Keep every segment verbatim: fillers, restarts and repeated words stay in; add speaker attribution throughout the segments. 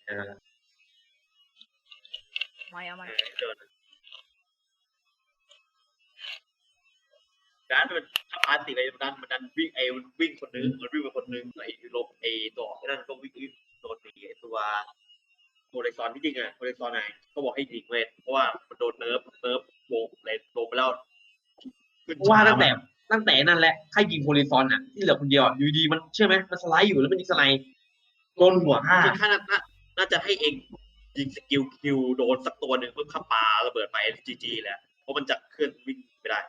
Speaker 1: เออ
Speaker 2: ไม่เอามัน
Speaker 3: การมันทำอาร์ติไปมันดันมันดันวิ่งไอ้วิ่งคนนึงมันวิ่งไปคนนึงไอ้ลบไอ้ตัวนั่นก็วิ่งโดนตีไอ้ตัวโมเดซอนที่จริงอ่ะโมเดซอนไหนเขาบอกให้ยิงเว้ยเพราะว่ามันโดนเนิร์ฟเนิร์ฟโบกเลยโดนไปแล้ว
Speaker 1: ว่าตั้งแต่ตั้งแต่นั่นแหละใครยิงโฮลิซอนอ่ะที่เหลือคนเดียวอยู่ดีมันเชื่อไหมมันสไลด์อยู่แล้วมันยิงสไลด์โดนหัวห้า
Speaker 3: จริงๆน่าน่าจะให้เองยิงสกิลคิวโดนสักตัวหนึ่งเพื่อขับปาระเบิดไปจีจีแหละเพราะมันจะเคลื่อนวิ่งไม่ได้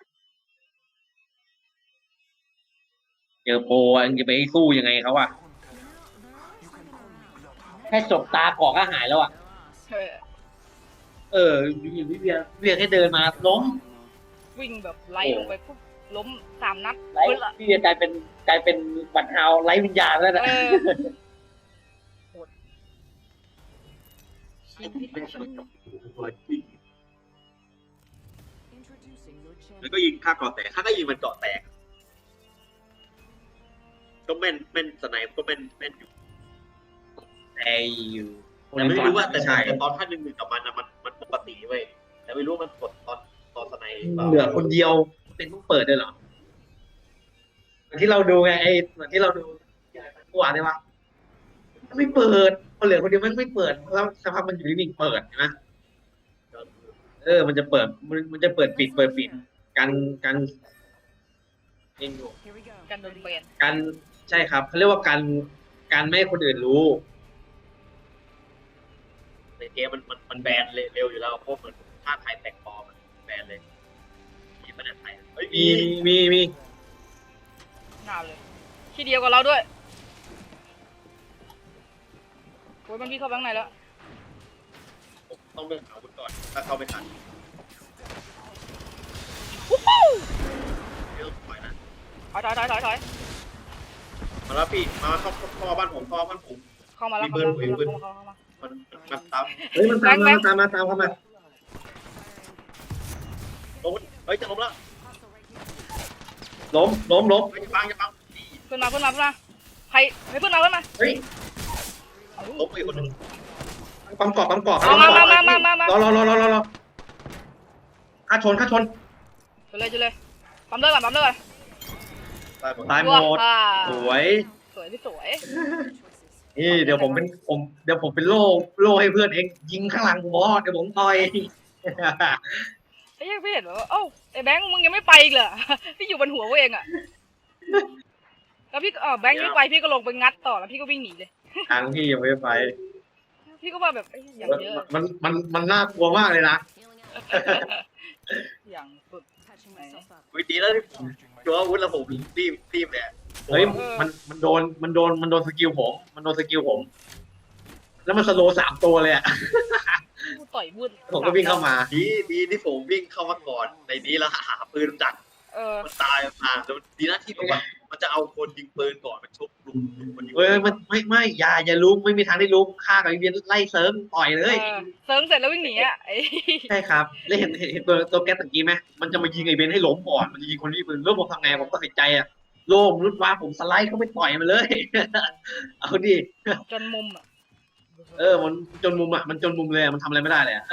Speaker 1: เจอโปรอันจะไปสู้ยังไงเขาอะแค่จบตาเกาะก็หายแล้วอะเออวิเวียเวียแค่เดินมาล้ม
Speaker 2: วิ่งแบบไล่ลงไปปุ๊บล้มสามนัด
Speaker 1: ไล่พี่เวียกลายเป็นกลายเป็นบัตรเฮาไล่วิญญาณแล้วนะ
Speaker 3: แล้วก็ยิงค่าเกาะแตกค่าก็ยิงมันเกาะแตกก็แม่นแม่นสไนป์ก็แม่นแม่นอยู่
Speaker 1: แต่อยู่
Speaker 3: แต่ไม่รู้ว่าแต่แต่ตอนท่านหนึ่งหนึ่งกับมันนะมันมันปกติเว้ยแต่ไม่รู้มันกดตอนตอนสไนป์
Speaker 1: เหลือคนเดียวเป็นต้องเปิดด้วยเหรอเหมือนที่เราดูไงไอ้เหมือนที่เราดูเมื่อวานใช่ปะไม่เปิดพอเหลือคนเดียวมันไม่เปิดแล้วสักพักมันอยู่นิ่งๆเปิดใช่ไหมเออมันจะเปิดมันมันจะเปิดปิดเปิดปิดกันกันเองอยู่
Speaker 2: กันโดนเปลี่ยน
Speaker 1: กันใช่ครับเขาเรียกว่าการการไม่ให้คนอื่นรู้
Speaker 3: ในเกมมันมันมันแบนเร็วอยู่แล้วเพราะเหมือนถ้าไทยแตกปอมันแบนเลยมีประเด็นไทยเฮ้ย
Speaker 1: มีมีมี
Speaker 2: หนาเลยที่เดียวกับเราด้วยโอ้ยมันพี่เข้าบ้างไหนแล้ว
Speaker 3: ต้องเลือกเอาคุณก่อนถ้าเข้าไม่ทันเดี๋ยวถอยนะ
Speaker 2: ถอยถอยถอยถอยถอย
Speaker 3: มาแล้วพี่มาเข้าเข้าบ้านผมเข้าบ้านผม
Speaker 2: เข้ามาแล้วเข้ามาเข้ามา
Speaker 3: มันมันตาม
Speaker 1: เฮ้ยมันตามมาตามมาตามเข้ามา
Speaker 3: ล้มเฮ้ยจะล้มแล้ว
Speaker 1: ล้มล้มล้ม
Speaker 3: จะปังจะปัง
Speaker 2: เพื่อนมาเพื่อนมาเพื่อนมาใครให้เพื่อนมาเพื่อนมา
Speaker 1: เฮ้ย
Speaker 3: ล้มไปคนนึง
Speaker 1: ปั๊มกรอบปั๊มกรอบ
Speaker 2: มามามามามามาร
Speaker 1: อรอรอรอรอรอข้าชนข้าชน
Speaker 2: จุเลยจุเลยปั๊มเลิกก่อนปั๊มเลิกก่อน
Speaker 1: ตายหมดสวย
Speaker 2: สวยพี่สวย
Speaker 1: นี่เดี๋ยวผมเป็นผมเดี๋ยวผมเป็นโล่โล่ให้เพื่อนเองยิงข้างหลังบอสเดี๋ยวผมต่อย
Speaker 2: ไอ้ยังพี่เห็นว่าเอ้าไอ้แบงค์มึงยังไม่ไปอีกเหรอพี่อยู่บนหัวเองอ่ะแล้วพี่อ๋อแบงค์ยังไม่ไปพี่ก็ลงไปงัดต่อแล้วพี่ก็วิ่งหนีเลย
Speaker 1: ทางพี่ยังไม่ไป
Speaker 2: พี่ก็ว่าแบบอย่างเยอะ
Speaker 1: มันมันมันน่ากลัวมากเลยนะ
Speaker 2: อย่างสุด
Speaker 3: วิธีแล้วชัวร์วุ้นระบบรีบรีบเนี่ย
Speaker 1: เฮ้ยมันมันโดนมันโดนมันโดนสกิลผมมันโดนสกิลผมแล้วมันสโลสามตัวเลยอ่ะ
Speaker 2: ต่อยวุ้น
Speaker 1: ผมก็วิ่งเข้ามา
Speaker 3: ดีดีที่ผมวิ่งเข้ามาก่อนในนี้แล้วหาปืนจัดมันตายมาแล้วดีนะที่แบบว่ามันจะเอาคนยิงปืนก่อนมันชกลุม
Speaker 1: คนยิงเอ้ยมันไม่ไม่อย่าอย่าลุมไม่มีทางได้ลุมฆ่ากับไอเบียนไล่เซิร์ฟต่อยเลย
Speaker 2: เซิร์ฟเสร็จแล้ววิ่งหนีอ่ะ
Speaker 1: ใช่ครับแล้วเห็นเห็นตัวตัวแก๊สตะกี้ไหมมันจะมายิงไอเบียนให้ล้มก่อนมันจะยิงคนที่ปืนแล้วผมทำไงผมตัดสินใจอ่ะโล่มรุดว่าผมสไลด์เข้าไปต่อยมันเลยเอาดิ
Speaker 2: จนมุมอ่ะ
Speaker 1: เออมันจนมุมอ่ะมันจนมุมเลยมันทำอะไรไม่ได้เลยอ่ะ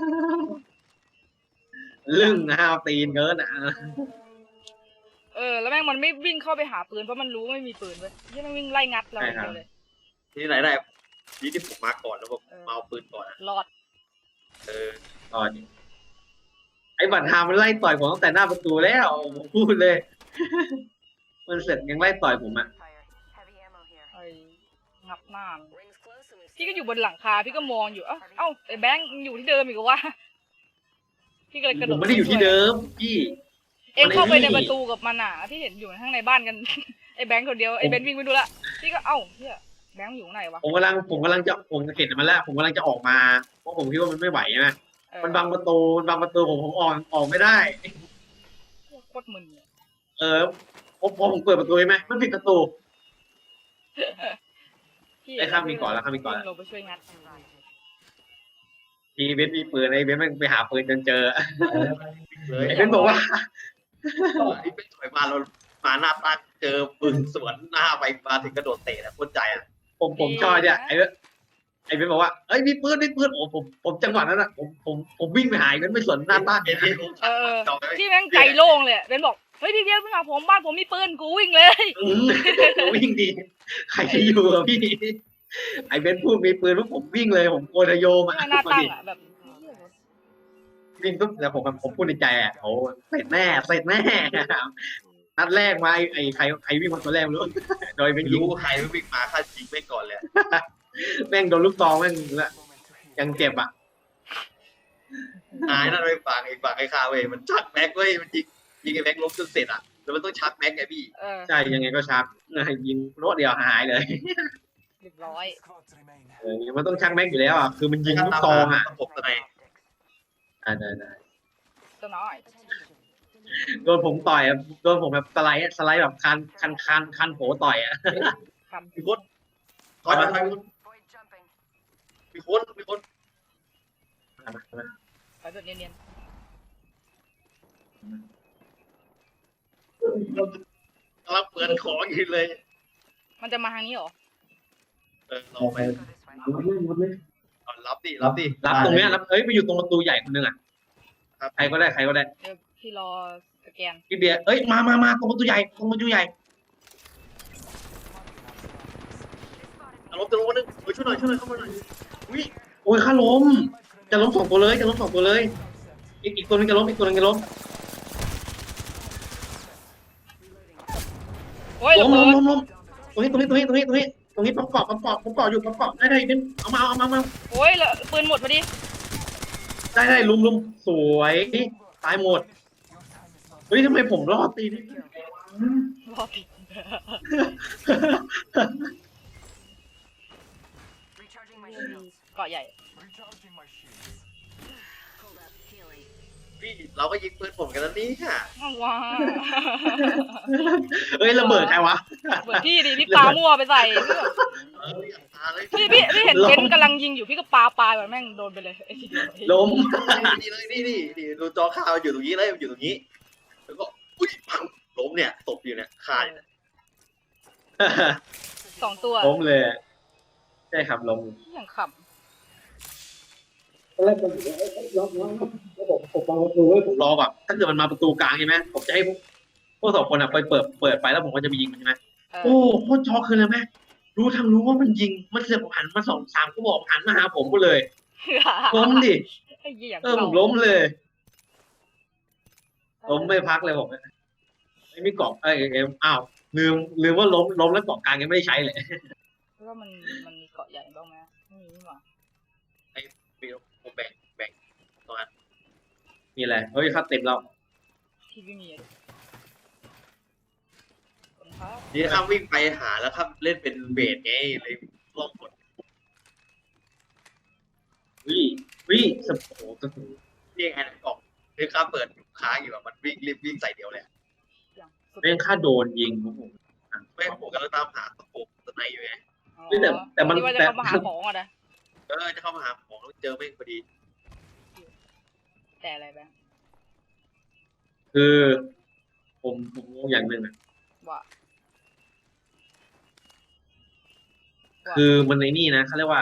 Speaker 1: ลึ่งห้าวตีนเกินอ่ะ
Speaker 2: เออแล้วแม่งมันไม่วิ่งเข้าไปหาปืนเพราะมันรู้ไม่มีปืนเว้ยที่มันวิ่งไล่งัดเราเลย
Speaker 3: ที่ไหนได้ที่ที่ผมมาก่อนแล้วผมมาเอาปืนก่อน
Speaker 2: รอด
Speaker 3: เออ
Speaker 1: รอดไอ้บัตรฮามันไล่ต่อยผมตั้งแต่หน้าประตูแล้วพูดเลยมันเสร็จยังไล่ต่อยผมอ่ะ
Speaker 2: ไอ้งับหน้าพี่ก็อยู่บนหลังคาพี่ก็มองอยู่เอ้าเอ้าไอ้แบงค์อยู่ที่เดิมอีกวะพี่ก็เลยกระโดด
Speaker 1: ผมไม่ได้อยู่ที่เดิมพี่
Speaker 2: เอ็งเข้าไปในประตูกับมันอ่ะที่เห็นอยู่ข้างในบ้านกันไอ้แบงค์คนเดียวไอ้เบนวิ่งไปดูละพี่ก็เอ้าเฮียแบงค์อยู่ไหนวะ
Speaker 1: ผมกำลังผมกำลังจะผมเห็นมันแล้วผมกำลังจะออกมาเพราะผมคิดว่ามันไม่ไหวนะมันบังประตูมันบังประตูผมผมออกออกไม่ได้
Speaker 2: โคตรมึน
Speaker 1: เออพอพอผมเปิดประตูใช่ไหมมันปิดประตูไอ้ข้ามมีก่อนแล้วข้ามมีก่อน
Speaker 2: เราไปช่วยงัด
Speaker 1: ทีเบนมีปืนไอ้เบนมันไปหาปืนจนเจอไอ้เบนบอกว่า
Speaker 3: ไอ้เบนถอยมาเรามาหน้าตาเจอปืนสวนหน้าไปมาถึงกระโดดเตะนะโคตรใจอ่ะ
Speaker 1: ผมผมชอบเนี่ยไอ้ไอ้เบนบอกว่าเอ้ยมีปืนมีปืนโอ้ผมผมจังหวะนั้นอ่ะผมผมผมวิ่งไปหายมันไม่สนหน้าบ้าน
Speaker 3: เอ็นเอ็นผม
Speaker 2: เออ
Speaker 3: จองไป
Speaker 2: พี่แม่งใจโล่งเลยอะเบนบอกเฮ้ยพี่เบียร์พี่มาผมบ้านผมมีปืนกูวิ่งเลย
Speaker 1: อืมวิ่งดีใครจะอยู่กับพี่ไอ้เบนพูดมีปืนปุ๊บผมวิ่งเลยผมโกนโยม
Speaker 2: ห
Speaker 1: อ่ะ
Speaker 2: น้าหน้าตั้งอ่ะแบบ
Speaker 1: วิ่งปุ๊บแล้วผมผมพูดในใจอ่ะโอ้เสร็จแน่เสร็จแน่นัดแรกมาไอ้ไอ้ใครใครวิ่งมาตัวแรกไม่รู้โดยเป็น
Speaker 3: ไม่
Speaker 1: ยิง
Speaker 3: รู้ใครวิ่งมาฆ่าจริงไม่ก่อนเลย
Speaker 1: แม่งโดนลูกซองแม่งละยังเจ็บอ่ะ
Speaker 3: นายนั่นไปฝั่งไอ้ฝั่งไอ้คาเว้ยมันชักแม็กเว้ยมันยิงยิงไอ้แม็กล้มจนเสร็จอ่ะแล้วมันต้องชักแม็กไงพี่
Speaker 2: เออ
Speaker 1: ใช่ยังไงก็ชักยิงรถเดียวหายเลย
Speaker 2: เรียบร้อย
Speaker 1: เออมันต้องชักแม็กอยู่แล้วอ่ะคือมันยิงลูกซองอ่ะ
Speaker 3: ตบตะไน
Speaker 1: อ่าได้ได้
Speaker 2: ตัวน้อย
Speaker 1: โดนผมต่อยอะโดนผมแบบสไลด์สไลด์แบบคันคันคันคันโผต่อยอ่ะ
Speaker 2: คำ
Speaker 3: มีคนถอยมาถอยมามีคนมีคน
Speaker 2: ไปแบบเนียน
Speaker 3: กำลังเปิดของอยู่เลย
Speaker 2: ๆมันจะมาทางนี้เหรอ
Speaker 3: เออลองไปเอารับดิรับดิ
Speaker 1: รับตรงเนี้ยรับเอ้ยไปอยู่ตรงประตูใหญ่คนนึงอ่ะ
Speaker 3: ครับ
Speaker 1: ใครก็ได้ใครก็ได้
Speaker 2: เดี๋ยวพี่รอสแกน
Speaker 1: พี่เบียร์เอ้ยมามามาตรงประตูใหญ่ตรงประตูใหญ่
Speaker 3: เอาล้มจะล้มคนนึงเฮ้ยช่วยหน่อยช่วยหน่อยเข้ามาหน่อยอุ้ย
Speaker 1: โอ้ยข้าล้มจะล้มสองตัวเลยจะล้มสองตัวเลย อีกอีกตัวนึงจะล้มอีกตัวนึงจะล้ม
Speaker 2: โอ้ย
Speaker 1: ล้
Speaker 2: ระ
Speaker 1: ม
Speaker 2: เบิ
Speaker 1: ล้ม
Speaker 2: ด
Speaker 1: ล้มล้มตรงนี้ตรงนี้ตรงนี้ตรงนี้ตรงนี้ตรงนี้ประกอบประกอบประกอบอยู่ประกอบได้ได้เป็นเอามาเอามาเอามา
Speaker 2: โอ้ยละปืนหมดพอดี
Speaker 1: ได้ได้ลุมลุมสวยตายหมดเฮ้ยทำไมผมรอดตีนี่
Speaker 2: รอติด เกาะใหญ่
Speaker 3: พี่เราก็ยิงปืนผมกันแล้วนี่ค่ะ
Speaker 2: ว้า
Speaker 1: เฮ้ยระเบิดใครวะ
Speaker 2: เหมือนพี่ดิพี่ปามั่วไปใส่พี่แบบ
Speaker 3: เอออย่าตาเลย
Speaker 2: พี่พี่พี่เห็น
Speaker 1: ล้ม
Speaker 2: เบนซ์กำลังยิงอยู่พี่ก็ปาปาแบบแม่งโดนไปเลยไอ้ทีเดียว
Speaker 1: ล้ม
Speaker 3: นี่เลยนี่นี่นี่ดูจอข่าวอยู่ตรงนี้เลยอยู่ตรงนี้แล้วก็อุ้ยปังล้มเนี่ยตกอยู่เนี่ยคาอยู่เนี่ย
Speaker 2: สองตัว
Speaker 1: ล้มเลยใช่ครับล้ม
Speaker 2: อย่างข
Speaker 1: ตอนแรกผมล็อกล็อกแล้วผมผมวางประตูไว้ผมรอแบบถ้าเกิดมันมาประตูกลางใช่ไหมผมจะให้พวกพวกสองคนอ่ะไปเปิดเปิดไปแล้วผมก็จะไปยิงมันใช่ไหม
Speaker 2: ำเอ
Speaker 1: โอ้
Speaker 2: อ
Speaker 1: โคตรช็อกคือเลยแม่รู้ทั้งรู้ว่ามันยิงมันเสือกหันมาสองสามก็บอกหันมาหาผมก็เลยล้มดิ
Speaker 2: ไอ้เหี้ยอย่าง
Speaker 1: เออผมล้มเลยล้มไม่พักเลยผมไม่มีเกาะเอ้ยเอ็มอ้าวลืมลืมว่าล้มล้มแล้วเกาะกลางยังไม่ได้ใช้เลย
Speaker 2: แล้วก็มันมันมีเกาะใหญ่บ้างไหมไม่มีนี่หว่า
Speaker 3: มีผมแบ่งแบ่งตรงนั้น
Speaker 1: มีอะไรเฮ้ยค่าเต็มแล้ว
Speaker 2: พี่ไม่มีอะคนครับ
Speaker 3: นี่ข้ามวิ่งไปหาแล้วข้ามเล่นเป็นเบสไงเลยลองกด
Speaker 1: วิวิสโอ้โหสโห
Speaker 3: นี่ไงกล่องคือข้ามเปิดค้างอยู่แบบมันวิ่งรีบวิ่งใส่เดียวเลย
Speaker 2: อย่างสุด
Speaker 1: แม่งค่าโดนยิงโอ้โห
Speaker 3: ไม่ผมกำลังตามหาตะปูตะไนอยู่ไง
Speaker 2: อ๋อ
Speaker 1: เฮ้ยแต่แต่มัน
Speaker 2: ที่ว่าจะ
Speaker 1: แต่
Speaker 2: เข้ามาหาของอ่ะนะ
Speaker 3: เออจะเข้ามาหาของแล้วเจอแม่งพอดี
Speaker 2: แต่อะไรแบงค์
Speaker 1: คือผมผมงงอย่างหนึ่งอะ
Speaker 2: ว่า
Speaker 1: คือมันในนี่นะเขาเรียกว่า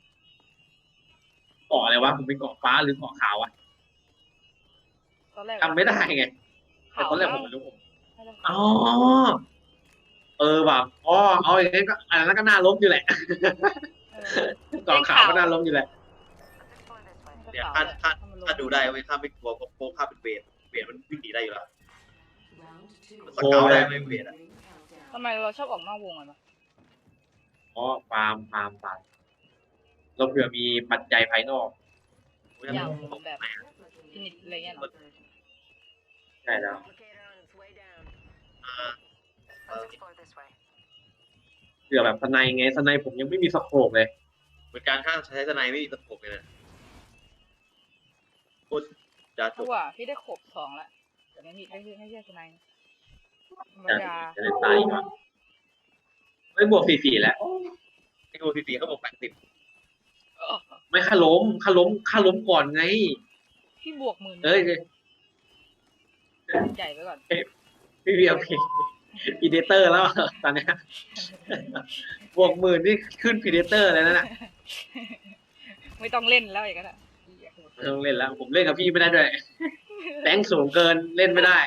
Speaker 1: เกาะอะไรวะผมเป็นเกาะฟ้าหรือเกาะขาวอะ
Speaker 2: ตอนแรก
Speaker 1: จำไม่ได้ไงแต่
Speaker 2: ข่าว
Speaker 1: ตอนแรก
Speaker 2: นะ
Speaker 1: ผมไม่รู้ผม
Speaker 2: ไม่ได้
Speaker 1: อ๋อเออแบบอ๋อเอาอย่างนี้ก็อันนั้นก็น่าล้มอยู่แหละ
Speaker 2: เออ
Speaker 1: เกาะขาวก็น่าล้มอยู่แหละ
Speaker 3: เนี่ย
Speaker 2: ข่า
Speaker 3: ถ้าว ถ้า
Speaker 2: ถ้ามันลง
Speaker 3: ถ้าดูได้เว้ยข้ามไม่กลัวเพราะโค้งข้ามเป็นเบสเบสมันวิ่งหนีได้อยู่แล้วมันสเกาได้ไม่เบสอ่ะ
Speaker 2: ทำไมเราชอบออกนอกวงอ่ะเนอะ
Speaker 1: อ๋อฟาร์มฟาร์มฟาร์มเราเผื่อมีปัจจัยภายนอก
Speaker 2: อย่างแบบฟินิชอะไรเงี้ยเนอะ
Speaker 1: ใช่แล้ว
Speaker 3: อ่าเออ
Speaker 1: เผื่อแบบสไนไงสไนผมยังไม่มีสโคปเลย
Speaker 3: เหมือนการข้ามใช้ทนายไม่มีตะปบเลยนะพูดจะจ
Speaker 2: เพราะ
Speaker 3: บ
Speaker 2: ว่าพี่ได้ขบสองแล้วแต่ไม่มีไม่ใช่ไม่ใช่ทนายธรรม
Speaker 1: จะ
Speaker 2: ดา
Speaker 1: จะได้ตายก่อนไม่บวกสี่สี่แล้ว
Speaker 3: ไอ้กูทีทีเขาบอกแปดสิบ
Speaker 2: เออ
Speaker 1: ไม่ค่าล้มค่าล้มค่าล้มก่อนไง
Speaker 2: พี่บวกหมื่น
Speaker 1: เอ้ย
Speaker 2: ใหญ่ไปก่อน
Speaker 1: พี่เบียร์พี่พีเดเตอร์แล้วตอนเนี้ยบวกหมื่นนี่ขึ้นพีเดเตอร์เลยนะน่ะ
Speaker 2: ไม่ต้องเล่นแล้วอย่างนั้นอะ
Speaker 1: ไม่ต้องเล่นแล้ว ผมเล่นกับพี่ไม่ได้ด้วยแบงค์สูงเกินเล่นไม่ได้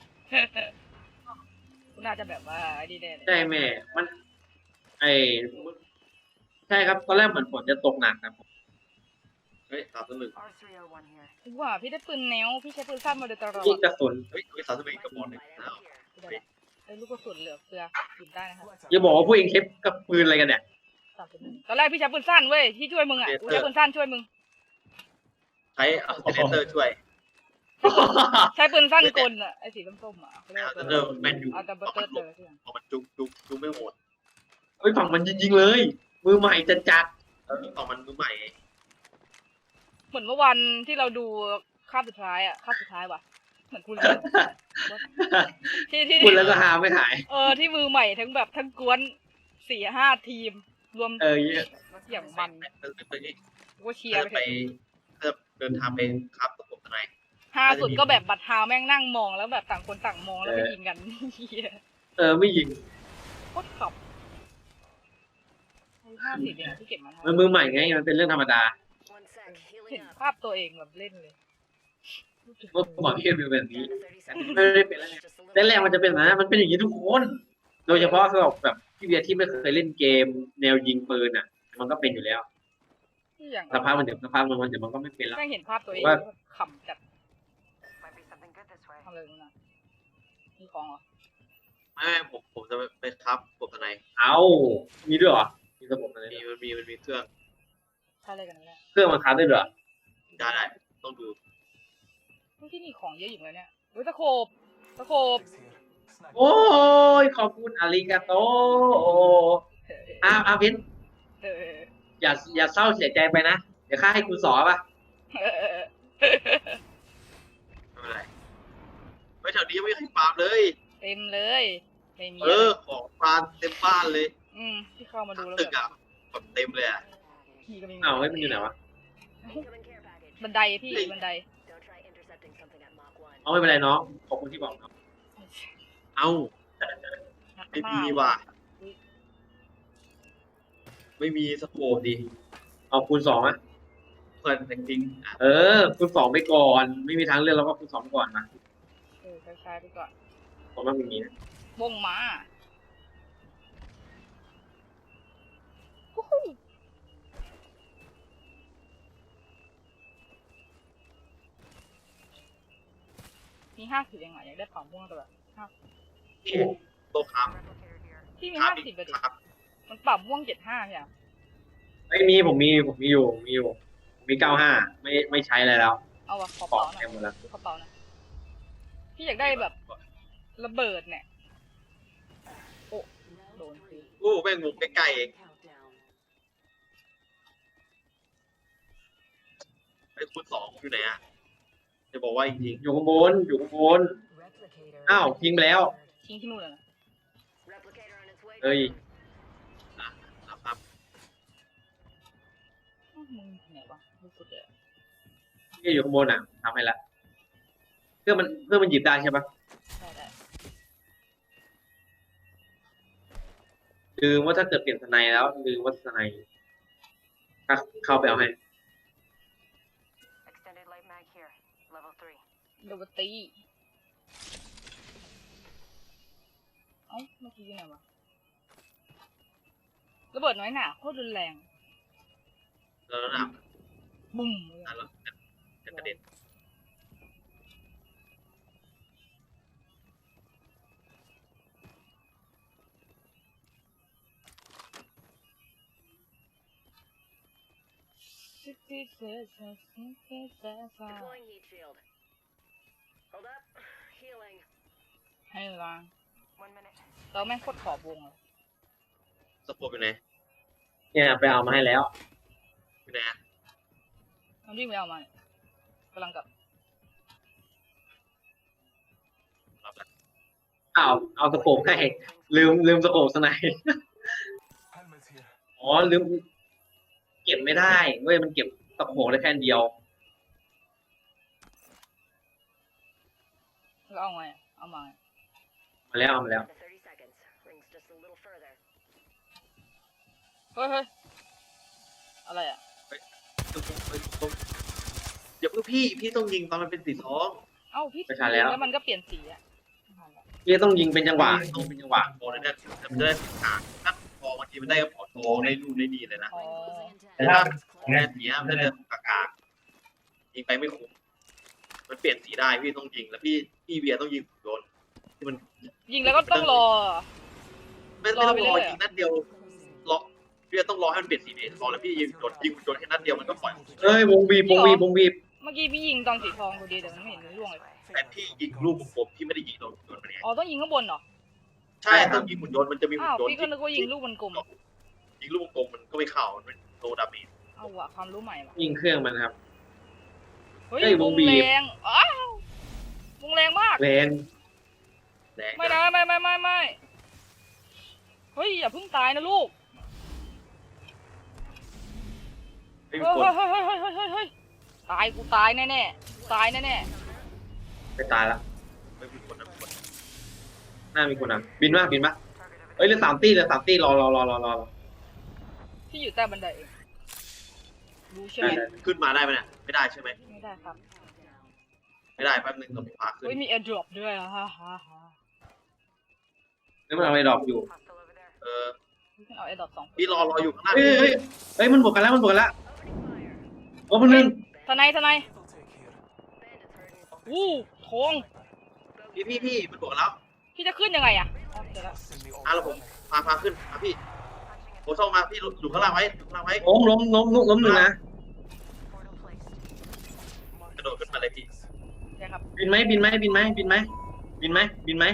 Speaker 2: คุณน่าจะแบบว่าไอ้นี่แน่เลย
Speaker 1: ใช่แม่ มัน ไอใช่ครับ ตอนแรกเหมือนฝนจะตกหนักนะผม
Speaker 3: เฮ้ยสามสิบหนึ่ง
Speaker 2: ว่าพี่ได้ปืนแนวพี่ใช้ปืนสั้นมาโดยตลอด
Speaker 1: ยิงกระสุน
Speaker 3: เฮ้ยเฮ้ยสามสิบหนึ่งกระบอกหนึ่งอ้าว
Speaker 2: ไอ้ลูกกระสุนเหลือเฟือยิงได้นะครับ
Speaker 1: อย่าบอกว่าผู้เองเทปกับปืนอะไรกันเนี่ย
Speaker 2: ตอนแรกพี่ใช้ปืนสั้นเว้ยที่ช่วยมึงอ่ะกูใช้ปืนสั้นช่วยมึง
Speaker 3: ใช้อัลเทอร์เนเตอร์ช่วย
Speaker 2: ใช้ปืนสั้นกลอ่ะไอ้สีส้มๆอ่ะเขาเรียก
Speaker 3: อัล
Speaker 2: ว่า
Speaker 3: เทอร์เนเตอร์แมนยู
Speaker 2: อัลตเบอร์เตอร์เจอที่ไหน
Speaker 3: พอมันจุกจุกจุกไม่โหด
Speaker 1: เฮ้ยฝั่งมันจริงๆเลย มือใหม่จัดจัด
Speaker 3: ต่อมันมือใหม่
Speaker 2: เหมือนเมื่อวันที่เราดูคาบสุดท้ายอ่ะคาบสุดท้ายว่ะเหมือนคุณเลยที่ที่
Speaker 1: พูดแล้วก็หาไม่หาย
Speaker 2: เออที่มือใหม่ทั้งแบบทั้งกวนสี่ห้าทีม รวม
Speaker 1: เออเยอะ
Speaker 2: อย่างมัน
Speaker 3: เออไปนี่
Speaker 2: กูก็เชียร์ไป
Speaker 3: ไป
Speaker 2: เถอะ
Speaker 3: เพื่อเดินทางไปครับตะกบทนาย
Speaker 2: ฮาสุดก็แบบบัตรฮาวแม่งนั่งมองแล้วแบบต่างคนต่างมองแล้วไปยิงกันเฮีย
Speaker 1: เออไม่ยิง
Speaker 2: โคตรขับห้าสิบเองอะที่เก็บมา
Speaker 1: มันมือใหม่ไง มันเป็นเรื่องธรรมดา
Speaker 2: เห็นภาพตัวเองแบบเล่นเลย
Speaker 1: เมื่อก่อนพี่เป็นแบบนี้ไม่ได้เป็นแล้วไงแรกๆมันจะเป็นนะมันเป็นอย่างนี้ทุกคน โดยเฉพาะสำหรับแบบพี่เบียร์ที่ไม่เคยเล่นเกมแนวยิงปืนอ่ะ มันก็เป็นอยู่แล้ว
Speaker 2: ที่อย่าง
Speaker 1: สภาพมันเดี๋ยวสภาพมันเดี๋ยวมันก็ไม่เป็นแล้ว
Speaker 2: แม่งเห็นภาพตัวเอง
Speaker 1: ว่า
Speaker 2: แล้วขำจัดทำเลยนะมีของเหรอ
Speaker 3: ไม่ไม่ผมผมจะไปครับตะกบทนาย
Speaker 1: เอามีด้วยเหรอ มีระบบอะไร
Speaker 3: มี
Speaker 1: ด้วย
Speaker 3: มันมีมันมีเครื่อง
Speaker 2: ใช่เลยกันนั่นแหละ
Speaker 1: เครื่องมันค้าได้ด้วยเหรอ
Speaker 3: ได้ได้ต้องดู
Speaker 2: ที่นี่ของเยอะอยู่เลยเนี่ยเฮ้ยตะโขบตะโขบ
Speaker 1: โอ้ยขอบคุณอาริกาโตอ้าวอ้าวเพ้น
Speaker 2: เออ
Speaker 1: อย่าอย่าเศร้าเสียใจไปนะ เดี๋ยวข้าให้คุณสอนป่ะ
Speaker 2: เออเออ
Speaker 3: ไม่เป็นไรไม่แถวนี้ยังไม่เคยปราบเลย
Speaker 2: เต็มเลยไม่มี
Speaker 3: เออของปราบเต็มบ้านเลย
Speaker 2: อืมที่เข้ามาดูแล้ว
Speaker 3: ตึก
Speaker 2: แบบ
Speaker 3: อ่ะแบบเต็มเลยอ่ะ
Speaker 2: พี่ก็ไม่มี
Speaker 1: อ้าวเฮ้ยมันอยู่ไหนวะ
Speaker 2: บันไดพี่บันได
Speaker 1: เอาไม่เป็นไรน้องขอบคุณที่บอกน้อง
Speaker 3: เอ้า
Speaker 2: นัก
Speaker 3: ไม่
Speaker 2: ฆ่า
Speaker 3: มีว่ะไม่มีสโคปดิ
Speaker 1: เอาคูณสองอะ
Speaker 3: เพื่อนจริงๆอ่ะ
Speaker 1: เออคูณสองไปก่อน ไม่มีทางเลือกเราก็คูณสองไปก่อนนะ
Speaker 2: เออใช้ๆไปก่อน
Speaker 1: ผมว่ามันมีนะ
Speaker 2: วงมาวู้ฮู้มีห้าสิบเองเหรออยากได้เป่าม่วงแต่แบบห้า
Speaker 3: นี่โต๊ะครับ
Speaker 2: ที่มี
Speaker 3: ครั
Speaker 2: ห้า
Speaker 3: บ
Speaker 2: สิบไปดิ
Speaker 3: ครับ
Speaker 2: มันเป่าม่วงเจ็ดห้าใช่ไหม
Speaker 1: ไม่มีผมมีผมมีอยู่มีอยู่ผมมีเก้าห้าไม่ไม่ใช้อะไรแล้ว
Speaker 2: เอาวะขอ
Speaker 1: ปอ
Speaker 2: เป่าก หน่อย
Speaker 1: เต็มหมดแล้ว
Speaker 2: ขอเป่าหน่อยพี่อยากได้แบบระเบิดเนี่ยโอ้โดนสิ
Speaker 3: โอ้แม่งงงใกล้ๆเองไอ้คุณสองอยู่ไหนอ่ะจะบอกว่าจริง
Speaker 1: อยู่ข้างบนอยู่ข้างบน อ้าวยิงไปแล้ว
Speaker 2: ทิ้งที่นู่นเลยนะ
Speaker 1: เอ้ย
Speaker 3: ๆนะครับ
Speaker 2: อ้าวมึงไหนวะมึงสุดเลยอะ
Speaker 1: ที่อยู่ข้างบนอ่ะทำให้ละเครื่องมันเครื่องมันหยิบได้ใช่ปะ
Speaker 2: ได้ได้
Speaker 1: ลืมว่าถ้าเกิดเปลี่ยนสไนแล้วลืมว่าสไนถ้าเข้าไปเอาให้
Speaker 2: โดนตีเอ้าเมื่อกี้อยู่ไหนวะระเบิดน้อยหนาโคตรรุนแรง
Speaker 3: แล้วนะ
Speaker 2: บุ้ม
Speaker 3: อ่ะแล้วจะกระเด็น
Speaker 2: ให้เวลาเราแม่งโคตรขอบวงเลย
Speaker 3: สโคปอยู่ไหน
Speaker 1: เนี่ยไปเอามาให้แล้ว
Speaker 3: อยู่ไหนอะ
Speaker 2: มันวิ่งไปเอามาเนี่ยกำลังกลับ
Speaker 3: รับละ
Speaker 1: อ้าวเอาสโคปให้ลืมลืมสโคปสไนอ๋อลืมเก็บไม่ได้เว้ยมันเก็บสโคปได้แค่อันเดียว
Speaker 2: แล้วเอาไงอะเอามาไง
Speaker 1: มาแล้วเอามาแล้ว
Speaker 2: เฮ้ยเฮ้ยอะไรอ่ะ
Speaker 3: เดี๋ยวเพื่อพี่พี่ต้องยิงตอนมันเป็นสีทอง
Speaker 2: เอ้าพี่
Speaker 1: ไม่ทันแล้ว
Speaker 2: แล้วมันก็เปลี่ยนสีอ่ะ
Speaker 1: พี่ต้องยิงเป็นจังหวะยิงเป็นจังหวะ
Speaker 3: โอ้ยเนี่ยจะได้สีขาวถ้าทองบางทีมันได้กระเป๋าทองได้รูปได้ดีเลยนะ
Speaker 2: อ๋อ
Speaker 3: แต่ถ้าแค่สีมันจะเดินกากายิงไปไม่คุ้มมันเปลี่ยนสีได้พี่ต้องยิงแล้วพี่พี่เบียร์ต้องยิงโดนที่มัน
Speaker 2: ยิงแล้วก็ต้องรอ
Speaker 3: ไม่ไม่ต้องรอยิงนัดเดียวรอพี่ต้องรอให้มันเปลี่ยนสีนี้รอแล้วพี่ยิงโดนยิงโดนแค่นัดเดียวมันก็ปล่อย
Speaker 1: เอ้ยวงบีบวงบีบวงบีบ
Speaker 2: เมื่อกี้พี่ยิงตอนสีทองพอดีแต่มันไม่เห็นมันร่วงเลย
Speaker 3: แต่พี่ยิงลูกผมพี่ไม่ได้ยิงโดนโดนมันไง
Speaker 2: อ๋อต้องยิงข้างบนเหรอ
Speaker 3: ใช่ต้องยิงหุ่นยนต์มันจะมีหุ่
Speaker 2: อ้าน วย
Speaker 3: นต์
Speaker 2: พี่ก็นึกว่ายิงลูกมันกลม
Speaker 3: ยิงลูกกลมมันก็ไม่เข้ามันเป็นโลดาเมจ
Speaker 2: เอาว่ะความรู้ใหม่ว่ะ
Speaker 1: ยิงเครื่องมันครับ
Speaker 2: เฮ้ย
Speaker 1: เฮ้ยว ว
Speaker 2: ง
Speaker 1: งบีบ
Speaker 2: แรงอ้าววงแรงมาก
Speaker 1: แรง
Speaker 3: แรง
Speaker 2: ไม่นะไม่ไม่ไม่ไม่เฮ้ยอย่าเพิ่งตายนะลูก
Speaker 3: ไม่
Speaker 2: เฮ้
Speaker 3: มี
Speaker 2: ย
Speaker 3: คน
Speaker 2: เฮ้ยเฮ้ยเฮ้ยเฮ้ยเฮ้ยตายกูตายแน่แน่ๆตายแน่แน่
Speaker 1: ไปตายละ
Speaker 3: ไม่มีคนนะคน
Speaker 1: หน้ามีคนอ่ะบินมาบินมาเอ้ยเหลือสามตีเหลือสามตีรอรอรอรอรอ
Speaker 2: ๆที่อยู่ใต้บันไดเองรู้ใช่ไหม
Speaker 1: ได้
Speaker 3: ขึ้นมาได้ไหมเนี่ยไม่ได้ใช่ไหม
Speaker 2: ไม่ได้ครับ
Speaker 3: ไม่ได้แป๊บนึงต้องพาขึ้น
Speaker 2: เฮ้ยมีแอร์ดรอปด้วยอ่ะฮ่าฮ่าฮ่า
Speaker 1: แล้วมันเอาไอ้ดอกอยู่
Speaker 3: เออ
Speaker 2: พี่เอาแอร์ดรอปสอง
Speaker 3: พี่รอรออยู่ข้างหน้า
Speaker 1: เฮ้ยเฮ้ยเฮ้ยมันบวกกันแล้วมันบวกกันแล้วโอ้คนหนึ่ง
Speaker 2: ทนายทนายอู้ทอง
Speaker 3: พี่พี่พี่มันบอกแล้ว
Speaker 2: พี่จะขึ้นยังไงอ่ะอ๋อเดี๋ยวละ
Speaker 3: อ่ะแล้วผมพาพาขึ้นอ่ะพี่โอ้ช่องมาพี่อยู่ข้างล่างไว้อยู่ข้างล่างไว้
Speaker 1: โอ้ล้มล้มล้มล้มหนึ่งนะ
Speaker 3: กระโดดขึ้นมาเลยพี่
Speaker 2: เดี๋ยวครับ
Speaker 1: บินไหมบินไหมบินไหมบินไหมบินไหมบินไหม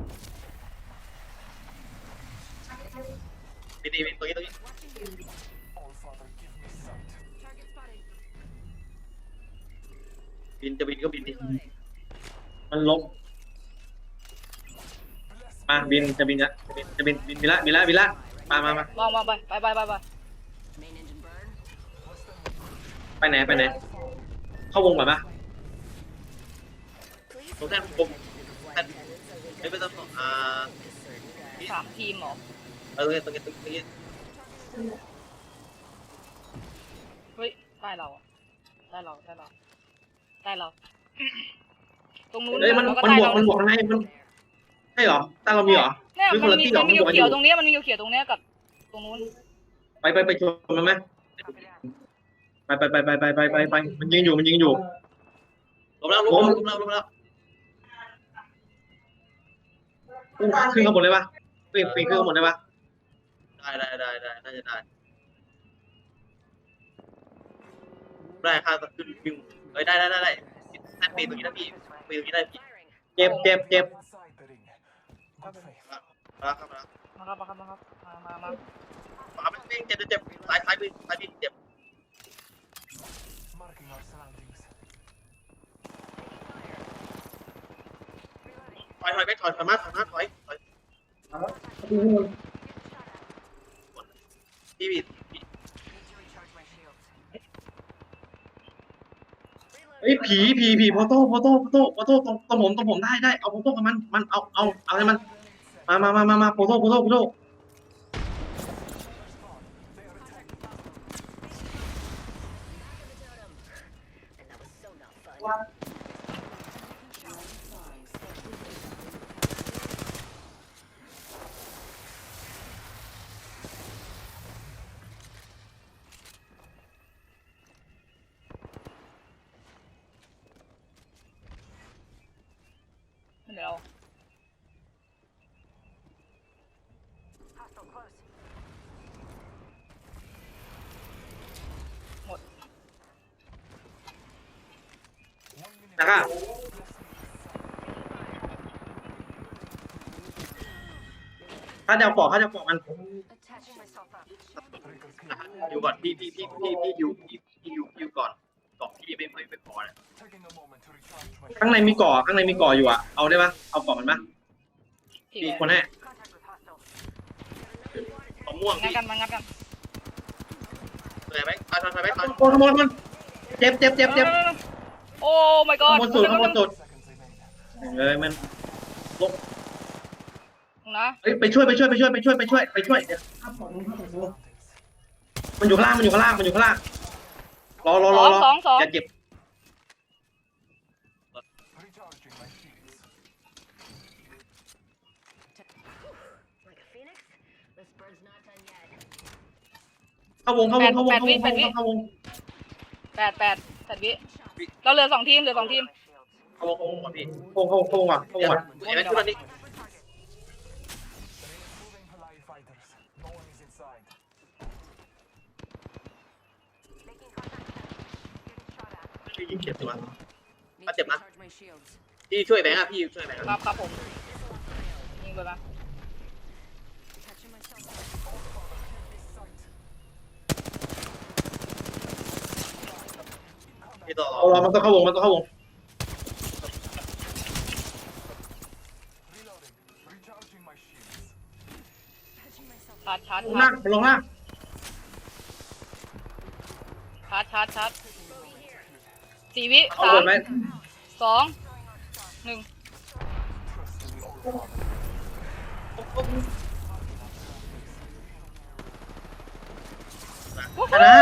Speaker 3: พี่ดีตรงนี้ตรงนี้บินจะบินก็บินดิ
Speaker 1: มันล้มมาบินจะบินละจะบินจะบินบินบินละบินละบินละมามามา
Speaker 2: มองมองไปไปไปไปไป
Speaker 1: ไปไหนไปไหนเข้าวงก่อนปะ
Speaker 3: ตรงแท่นผมแท่นไม่เป็นต้องอ่า
Speaker 2: สามทีมเหรอ
Speaker 3: เออตรงนี้ตรงนี้ตรงนี้
Speaker 2: เฮ้ยได้เราอะได้เราได้เราได้เรา ตรงนู้น
Speaker 1: เฮ้ยมัน
Speaker 2: เราก็
Speaker 1: มัน
Speaker 2: ได้
Speaker 1: บวก
Speaker 2: เรา
Speaker 1: มันบวกข้างในมันใช่เหรอตาเรามีเหรอ
Speaker 2: เนี่ย
Speaker 1: หรือค
Speaker 2: มัน น
Speaker 1: ละ
Speaker 2: มี
Speaker 1: ที่เหรอ
Speaker 2: มันมี
Speaker 1: มันบวกกันอยู่
Speaker 2: เขียวๆตรงเนี้ยมันมีเขียวๆตรงเนี้ยกับตรงนู้น
Speaker 1: ไปไปไปชนมันไหมไปไปไปไปไปไปไปไปมันยิงอยู่มันยิงอยู่
Speaker 3: ลงแล้วลงแล้วลงแล้วลงแล้ว
Speaker 1: ขึ้นข้างบนได้ปะปีนปีนขึ้นข้างบนได้ปะ
Speaker 3: ได้ได้ได้ได้น่าจะได้ได้ค่าจะขึ้นวิ่งเอ้ยได้ได้ได้ได้แท่นปีนตรงนี้นะพี่ปีนตรงนี้ได้พี่
Speaker 1: เจ็บเจ็บเจ็บ
Speaker 3: มาครับมา
Speaker 2: มาครับมาครับมาครับมามามา
Speaker 3: มาไม่เจ็บเจ็บเจ็บซ้ายซ้ายปีนซ้ายปีนเจ็บถอยถอยไปถอยถอยมาถอยมาถอยถอยพี่พี่
Speaker 1: เฮ้ยผีผีผีโพโต้โพโต้โพโต้โพโต้ตรงตรงผมตรงผมได้ได้เอาโพโต้กับมันมันเอาเอาเอาให้มันมามามามามาโพโต้โพโต้โพโต้
Speaker 2: เดี๋ยวเรา
Speaker 1: นะครับถ้าจะเอาปอกถ้าจะเอาปอกมัน
Speaker 3: อยู่ก่อนพี่พี่พี่พี่พี่ยูพี่พี่ยูยูก่อนก่อนพี่ไม่ไม่ไม่พอนะ
Speaker 1: ข้างในมีก่อข้างในมีก่ออยู่อ่ะเอาได้ปะเอาปอกมันปะ
Speaker 2: ที
Speaker 1: มี
Speaker 2: ม
Speaker 1: คนให้
Speaker 3: มะม่วง
Speaker 2: งัด
Speaker 3: พี่
Speaker 2: กันมางัดกัน
Speaker 3: เลยไหมถอยถอยถอยไหมถอย
Speaker 1: โอ้ขโมยมันเจ็บเจ็บเจ็บเจ็บ
Speaker 2: โอ้ my
Speaker 1: ข
Speaker 2: god
Speaker 1: โมยสุดขโมยสุดเอ้ยมัน
Speaker 2: นะ
Speaker 1: เฮ้ยไปช่วยไปช่วยไปช่วยไปช่วยไปช่วยไปช่วยเดี๋ยวข้ามปอกนู้นข้ามปอกนู้นมันอยู่ข้างล่างมันอยู่ข้างล่างมันอยู่ข้างล่างรอรอรอรอ
Speaker 2: สองสอง
Speaker 1: อย่าเจ็บ เข้าวงเข้าวงเข้าวงเข้าวงเข้าวงเข้าวง
Speaker 2: แปดแปดแปดวิเราเหลือสองทีมเหลือสองทีม
Speaker 1: เข้าวงเข้าวงก่อนพี่เข้าวงเข้าวงเข้าวงก่อนเข้าวงก่อน
Speaker 3: ไอ้แม่ทุกคนนี้พี่ยิงเจ็บตัวก็เจ็บนะพี่ช่วยแบงค์อะพี่ช่วยแบงค์
Speaker 2: ครับครับผมยิงไปมา
Speaker 3: พี่ต่อ
Speaker 1: เอารอมันต้องเข้าวงมันต้องเข้าวง
Speaker 2: ชาร์จชาร์จ
Speaker 1: ลงล่างลงล่าง
Speaker 2: ชาร์จชาร์จชาร์จสี่วิ
Speaker 1: เอา
Speaker 2: สา
Speaker 1: เปิ
Speaker 2: ม
Speaker 1: ดไหม
Speaker 2: สองหนึ่ง
Speaker 1: ชนะ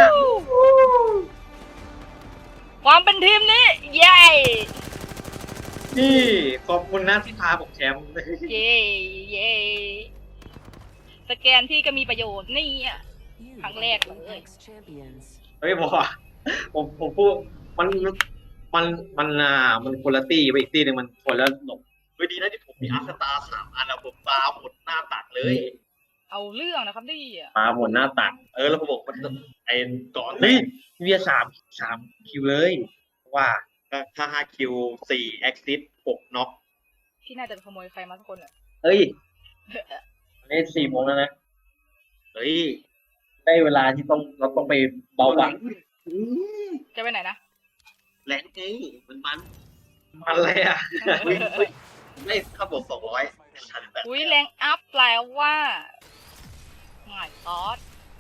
Speaker 2: ความเป็นทีมนี้เย้
Speaker 1: นี่ขอบคุณนะที่พาผมแชมป์
Speaker 2: เย้เย้สแกนที่ก็มีประโยชน์นี่อ่ะ ครั้งแรกเลย
Speaker 1: เฮ้ยบอกว่าผมผมพูดมันมันมันอ่ามันคนละตีไปอีกตีหนึ่งมันคนละหลบ
Speaker 3: เฮ้ยดีนะที่ผมมีอาร์คตาสามอันแล้วผมตาหมดหน้าตักเลย
Speaker 2: เอาเรื่องนะครับนี่อ่ะ
Speaker 1: มาหมดหน้าตัก
Speaker 3: เออแล้วผมบอกมันไอ้ก่อน
Speaker 1: เฮ้ยเวียสามสามคิวเลยว่า
Speaker 3: ถ้าห้าคิวสี่แอคซิสหกน็อก
Speaker 2: ที่น่าจะขโมยใครมาสักคนอ่ะ
Speaker 1: เฮ้ยเล่นสี่โมงแล้วนะ
Speaker 3: เฮ้ย
Speaker 1: ได้เวลาที่ต้องเราต้องไปเบาหวาน
Speaker 2: จะไปไหนนะ
Speaker 3: แรงไงมันมัน
Speaker 1: มันอะไรอ่ะ
Speaker 3: เฮ้ยเฮ้ยไม่ข้าบอกสองร้อยทันแบบ
Speaker 2: อุ้ยแรงอัพแปลว่าหมายซอส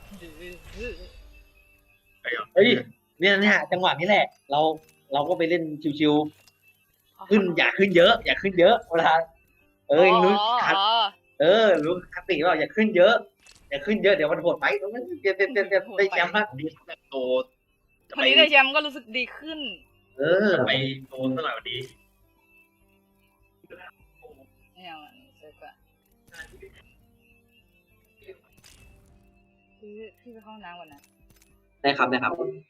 Speaker 1: เฮ้ยเนี่ยเนี่ยจังหวะนี้แหละ เราเราก็ไปเล่นชิวๆขึ้นอย่าขึ้นเยอะ อย่าขึ้นเยอะเวลาเออรู้คัดเออรู้คติว่าอย่าขึ้นเยอะ อย่าขึ้นเยอะเดี๋ยวมันโหดไปตรงนั้นเดี๋ยวเดี๋ยวเดี๋ยวเดี๋ยวได้แชมป์ละ
Speaker 3: นี้แบบโตจะ
Speaker 2: คน
Speaker 3: ไป
Speaker 2: นี้ได้แชมป์ก็รู้สึกดีขึ้น
Speaker 1: เออ
Speaker 3: ไปโตเท่าไหร่วันนี้
Speaker 2: ไม่เอาอันนี้เสร็จละพี่พี่ไปเข้าห้องน้ำก่อนนะ
Speaker 1: ได้ครับได้ครับ